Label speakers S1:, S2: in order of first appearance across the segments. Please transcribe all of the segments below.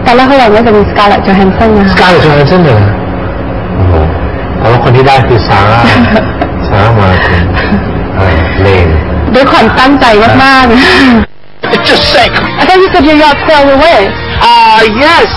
S1: ตอนแรกเขาบอกว่าจะมีสการ์เล็ต โจแฮนสันนะคะ
S2: สการ์เล็ต โจแฮนสันเลยโอ้โหแต่ว่าคนที่ได้คือซาร่ามาคุณเลน
S1: ด้วยความตั้งใจมากๆ
S3: Just sick.
S1: I thought you said you got sailed away.
S3: Yes.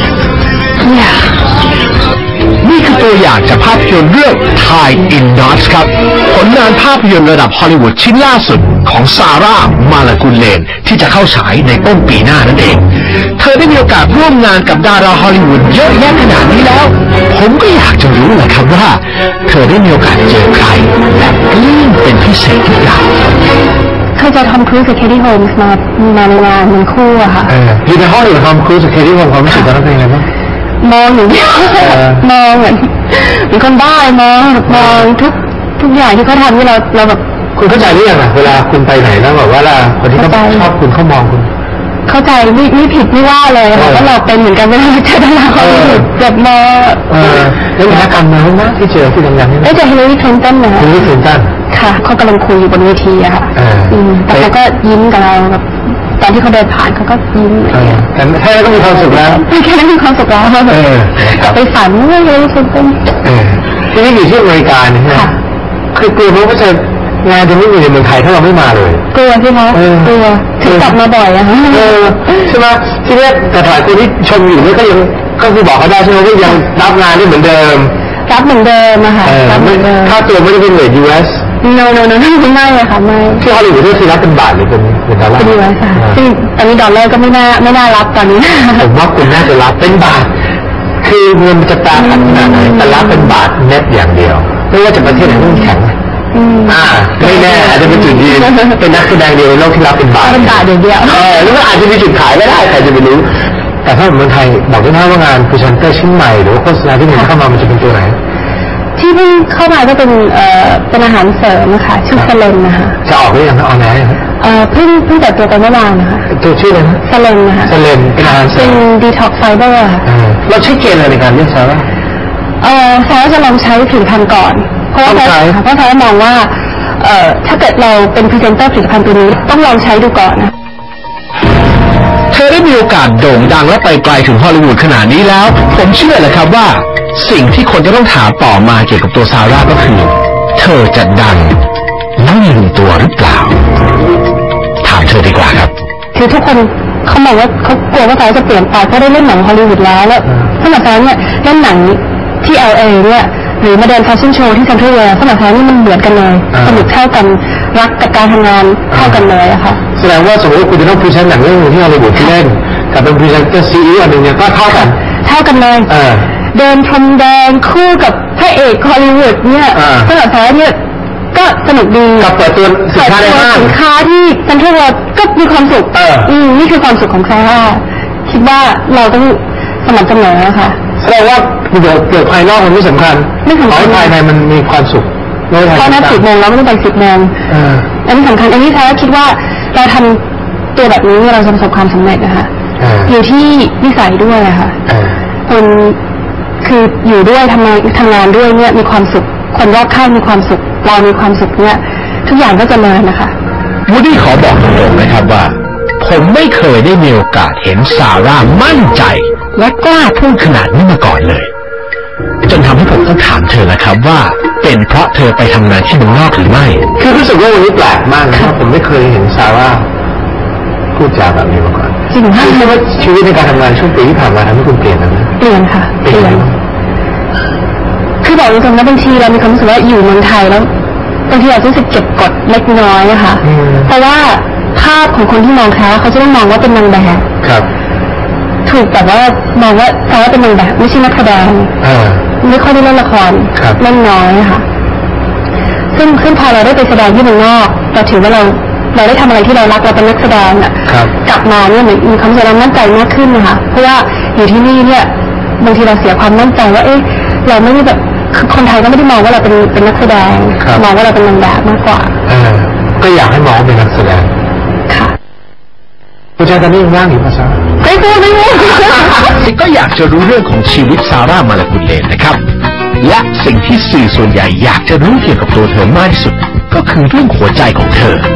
S1: Yeah.
S4: นี่คือตัวอย่างจากภาพยนตร์เรื่อง Thai in Knots ครับผลงานภาพยนตร์ระดับฮอลลีวูดชิ้นล่าสุดของซาร่ามาลากุลเลนที่จะเข้าฉายในต้นปีหน้านั่นเองเธอได้มีโอกาสร่วมงานกับดาราฮอลลีวูดเยอะแยะขนาดนี้แล้วผมก็อยากจะรู้แหละครับว่าเธอได้มีโอกาสเจอใครแบบปลื้มเป็นพิเศษหรือเปล่า
S1: เคยเจอทอมครูซกับเคที่โฮมส์มาในงานมันคู่อะค่ะ
S2: อยู่ในห้องอยู่ทอมครูซกับเคที่โฮมส์ความรู้สึกตอนนั้นเป็นไงบ้าง
S1: มองอย่างเดียวมองเหมือนคนบ้ามองทุกอย่างที่เขาทำที่เราแบบ
S2: คุณเข้าใจหรือยังเวลาคุณไปไหนแล้วแบบว่าคนที่เขาชอบคุณเขามองคุณ
S1: เข้าใจไม่ผิดไม่ว่าเลยค่ะว่าเราเป็นเหมือนกันเวลาเจอดาราเขาแบบมอง
S2: แล้วมีนักการเมืองนะที่เจอที่ดังๆนี่
S1: เจอฮิลลารีคลินตันนะ
S2: ฮิลลารีคลินตัน
S1: ค่ะเขากำลังคุยอยู่บนเวทีอะค่ะแต่เขาก็ยิ้มกับเราแบบตอนที่เขาเดินผ่านเขาก็ยิ้ม
S2: แต่แค่นั้นก็มีความสุขแล้ว
S1: แค่นั้นมีความสุขแล้วไปฝันว่าฮิลลารีคลินตัน
S2: ที่นี่อยู่ที่อเมริกาเนี่ยคือกลัวว่าจะงานจะไม่มีในเมืองไทยถ้าเราไม่มาเลย
S1: กลัวใช่ไหมกลัวถึงกลับมาบ่อยอะค่ะ
S2: ใช่ไหมที่นี่แต่ถ่ายคนที่ชมอยู่นี่ก็ยังก็คือบอกเขาได้ใช่ไหมว่ายังรับงานได้เหมือนเดิม
S1: รับเหมือนเดิมอะค่ะรับเหมือนเดิม
S2: ค่าตัวไม่ได้เป็นเรท US
S1: no ไม่เลยค่ะไม่
S2: ที่ฮอลลีวูดที่รับเป็นบาทหรือเป็นดอลลาร์
S1: เป็น US ค่ะซึ่งตอนนี้ดอลลาร์ก็ไม่น่ารับตอนนี้
S2: ผมว่าคุณน่าจะรับเป็นบาทคือเงินจะตาขันขนาดไหนแต่รับเป็นบาทเน็ตอย่างเดียวไม่ว่าจะประเทศไหนต้องแข็งไม่แน่อาจจะเป็นจุดยืนเป็นนักแสดงเดียวในโลกที่รับเป็นบาท
S1: เดียว
S2: แล้วก็อาจจะมีจุดขายไม่ได้ใครจะไปรู้แต่ถ้าเมืองไทยบอกได้ไหมว่างานพรีเซนเตอร์ชิ้นใหม่หรือว่าโฆษณาที่มันเข้ามามันจะเป็นตัวไหน
S1: ที่เพิ่งเข้ามาก็เป็นอาหารเสริมค่ะชื่อเซเลนนะคะ
S2: จะออกหรือยังออนแอร์
S1: เพิ่งแต่ตัวไปเมื่อวานนะคะ
S2: ตัวชื่ออะไรนะ
S1: เซเลนนะคะ
S2: เซเลนเป็นอาหารเสริม
S1: เป็นดีท็อกไฟเบอร์ค่ะ
S2: เราใช้เกณฑ์อะไรในการเลือกซาร่า
S1: ซาร่าจะลองใช้ผลิตภัณฑ์ก่อนเพราะซาร่ามองว่าถ้าเกิดเราเป็นพรีเซนเตอร์ผลิตภัณฑ์ตัวนี้ต้องลองใช้ดูก่อนนะ
S4: เธอได้มีโอกาสโด่งดังและไปไกลถึงฮอลลีวูดขนาดนี้แล้วผมเชื่อเลยครับว่าสิ่งที่คนจะต้องถามต่อมาเกี่ยวกับตัวซาร่าก็คือเธอจะดังแล้วลืมตัวหรือเปล่าถามเธอดีกว่าครับ
S1: คือทุกคนเขาบอกว่าเขากลัวว่าเขาจะเปลี่ยนไปเพราะได้เล่นหนังฮอลลีวูดแล้วสำหรับเขาเนี่ยเล่นหนังที่ LA เนี่ยหรือมาเดินแฟชั่นโชว์ที่เซ็นทรัลเวิลด์สำหรับเขานี่มันเหมือนกันเลยสนุกเท่ากันรักกับการทำงานเท่ากันเลยอะค่ะ
S2: แสดงว่าสมมติว่าคุณจะต้องพรีเซนต์หนังเรื่องนึงที่ฮอลลีวูดที่เล่นกับเป็นพรีเซนเตอร์ซีอีอันหนึ่งเนี่ยก็เท่ากัน
S1: เลยเดินพรมแดงคู่กับพระเอกฮอลลีวูดเนี่ยสำหรับเขาเนี่ยก็สนุกดี
S2: กับเปิดตัวสินค้าในห้าง
S1: สินค้าที่เซ็นทรัลเวิลด์ก็มีความสุขนี่คือความสุขของซาร่าคิดว่าเราต้องสม่ำเสมอค่ะ
S2: แสดงว่าเกิดภายนอกมันไม่สำคัญภายในมันมีความสุข
S1: เพราะนับ10 โมงแล้วไม่ต้องไป10 โมงอันนี้สำคัญอันนี้แท้คิดว่าเราทำตัวแบบนี้เราจะประสบความสำเร็จนะคะอยู่ที่นิสัยด้วยค่ะคนคืออยู่ด้วยทำงานด้วยเนี่ยมีความสุขคนรอบข้างมีความสุขเรามีความสุขเนี่ยทุกอย่างก็จะเจริญนะคะ
S4: วูดดี้ขอบอกตรงๆนะครับว่าผมไม่เคยได้มีโอกาสเห็นซาร่ามั่นใจและกล้าพูดขนาดนี้มาก่อนเลยจนทำให้ผมต้องถามเธอนะครับว่าเป็นเพราะเธอไปทำงานที่เมืองนอกหรือไม่
S2: คือรู้สึกว่าวันนี้แปลกมากนะผมไม่เคยเห็นซาร่าพูดจาแบบนี้มาก่อน
S1: จริงค่ะ
S2: คิดว่าชีวิตในการทำงานช่วงปีที่ผ่านมาทำให้คุณเปลี่ยนไหม
S1: เปลี่ยนค่ะเปลี่ยนคือบอกตรงๆนะบางทีเรามีความรู้สึกว่าอยู่เมืองไทยแล้วบางทีอาจจะรู้สึกเก็บกดเล็กน้อยนะคะเพราะว่าภาพของคนที่มองเขาจะต้องมองว่าเป็นนางแบบถูกแบบว่ามองว่าเขาเป็นนางแบบไม่ใช่นักแสดงไม่ค่อยได้เล่นละครเล่นน้อยค่ะซึ่งพอเราได้ไปแสดงที่เมืองนอกเราถือว่าเราได้ทำอะไรที่เรารักเราเป็นนักแสดงอ่ะกลับมาเนี่ยมีความรู้สึกมั่นใจมากขึ้นนะคะเพราะว่าอยู่ที่นี่เนี่ยบางทีเราเสียความมั่นใจว่าเราไม่ได้แบบคนไทยก็ไม่ได้มองว่าเราเป็นนักแสดงมองว่าเราเป็นนางแบบมากกว่า
S2: ก็อยากให้มองเป็นนักแสดง
S1: ค่ะ
S2: ผู้ชายตอนนี้ยังว่างอยู่ภาษา
S1: ไม่พูด
S4: ก็อยากจะรู้เรื่องของชีวิตซาร่ามาลากุลเลนนะครับและสิ่งที่สื่อส่วนใหญ่อยากจะรู้เกี่ยวกับตัวเธอมากที่สุดก็คือเรื่องหัวใจของเธอ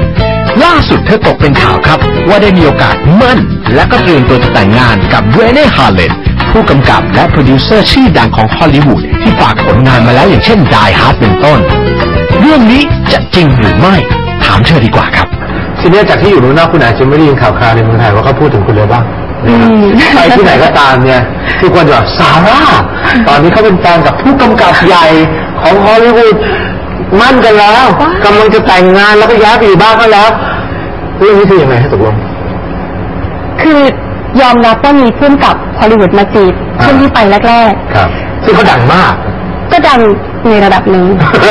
S4: ล่าสุดเธอตกเป็นข่าวครับว่าได้มีโอกาสมั่นและก็เตรียมตัวจะแต่งงานกับเรเน่ ฮาร์เลนผู้กำกับและโปรดิวเซอร์ชื่อดังของฮอลลีวูดที่ฝากผลงานมาแล้วอย่างเช่น Die Hard เป็นต้นเรื่องนี้จะจริงหรือไม่ถามเธอดีกว่าครับ
S2: ทีนี้จากที่อยู่นู้นนะคุณอาจจะไม่ได้ยินข่าวคราวในเมืองไทยว่าเขาพูดถึงคุณเลยบ้างไปที่ไหนก็ตามเนี่ยทุกคนจะบอกซาร่าตอนนี้เขาเป็นแฟนกับผู้กำกับใหญ่ของฮอลลีวูดมั่นกันแล้วกำลังจะแต่งงานแล้วก็ย้ายไปอยู่บ้านเขาแล้วเรื่องนี้คือยังไงให้ตกลง
S1: คือยอมรับว่ามีผู้กำกับฮอลลีวูดมาจีบช่วงที่ไปแรก
S2: ๆครับซึ่งเขาดังมาก
S1: ก็ดังในระดับหนึ่ง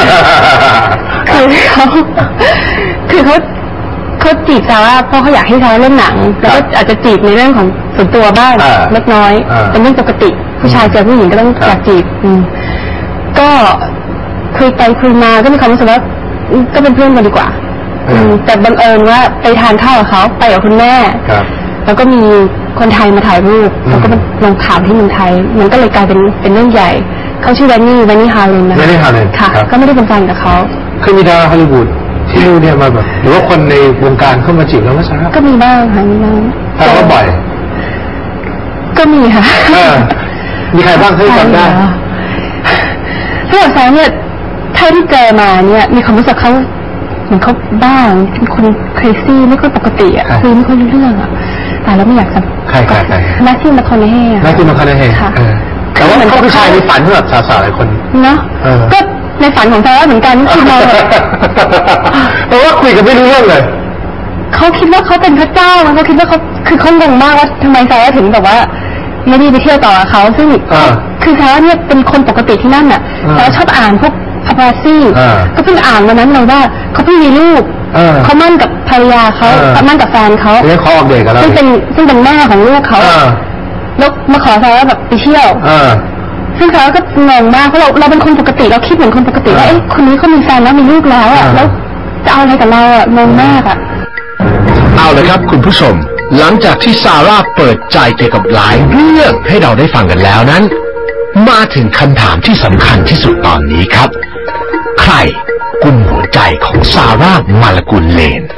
S1: คือเขาจีบซาร่าเพราะเขาอยากให้ซาร่าเล่นหนังแล้วก็อาจจะจีบในเรื่องของส่วนตัวบ้างเล็กน้อยเป็นเรื่องปกติผู้ชายเจอผู้หญิงก็ต้องอยากจีบก็คุยไปคุยมาก็มีความรู้สึกว่าก็เป็นเพื่อนกันดีกว่าแต่บังเอิญว่าไปทานข้าวกับเขาไปกับคุณแม่แล้วก็มีคนไทยมาถ่ายรูปแล้วก็ลงข่าวที่เมืองไทยมันก็เลยกลายเป็นเรื่องใหญ่เขาชื่อแวนนี่ฮาร์เลนนะค่ะก็ไม่ได้เป็นแฟนกับเขา
S2: เคยมีดาราฮอลลีวูดที่นู่นเนี่ยมาแบบหรือว่าคนในวงการเข้ามาจีบแล้วไม่ใช่ครับ
S1: ก็มีบ้างค่ะมีบ้าง
S2: แต่ว่าบ่อย
S1: ก็มีค่ะ
S2: มีใครบ้างที่จำได้
S1: ถ้าบอกแซมเนี่ยเท่าที่เจอมาเนี่ยมีความรู้สึกเขาเหมือนเขาบ้างเป็นคน crazy ไม่ค่อยปกติอ่ะคือไม่ค่อยรู้เรื่องอ่ะแต่แล้วไม่อยากจะ
S2: ใคร
S1: แมทธิว แมคคอนาเฮย์
S2: แมทธิว แมคคอนาเฮย์แต่ว่ามันก็ผู้ชายในฝันสำหรับสาวๆหลายคน
S1: เนาะก็ในฝันของซาร่าเหมือนกันคือมอง
S2: เพราะว่าคุยกันไม่รู้เรื่องเลย
S1: เขาคิดว่าเขาเป็นพระเจ้าเขาคิดว่าเขาคือเขางงมากว่าทำไมซาร่าถึงแบบว่าไม่ได้ไปเที่ยวต่อกับเขาซึ่งคือซาร่าเนี่ยเป็นคนปกติที่นั่นน่ะซาร่าชอบอ่านพวกพาปาซี่ก็เพิ่งอ่านวันนั้นเลยว่าเขาเพิ่งมีลูกเขามั่นกับภรรยาเขามั่นกับแฟนเขา
S2: เขาออกเดทกันแล้ว
S1: ซึ่งเป็นแม่ของลูกเขาแล้วมาขอซาร่าแบบไปเที่ยวซึ่งเขาก็งงมากเพราะเราเป็นคนปกติเราคิดเหมือนคนปกติว่าเอ๊ะคนนี้เขามีแฟนแล้วมีลูกแล้วอ่ะแล้วจะเอาอะไรกับเราอ่ะงงมากอ่ะ
S4: เอาเลยครับคุณผู้ชมหลังจากที่ซาร่าเปิดใจเกี่ยวกับหลายเรื่องให้เราได้ฟังกันแล้วนั้นมาถึงคำถามที่สำคัญที่สุดตอนนี้ครับใครกุมหัวใจของซาร่า มาลากุลเลน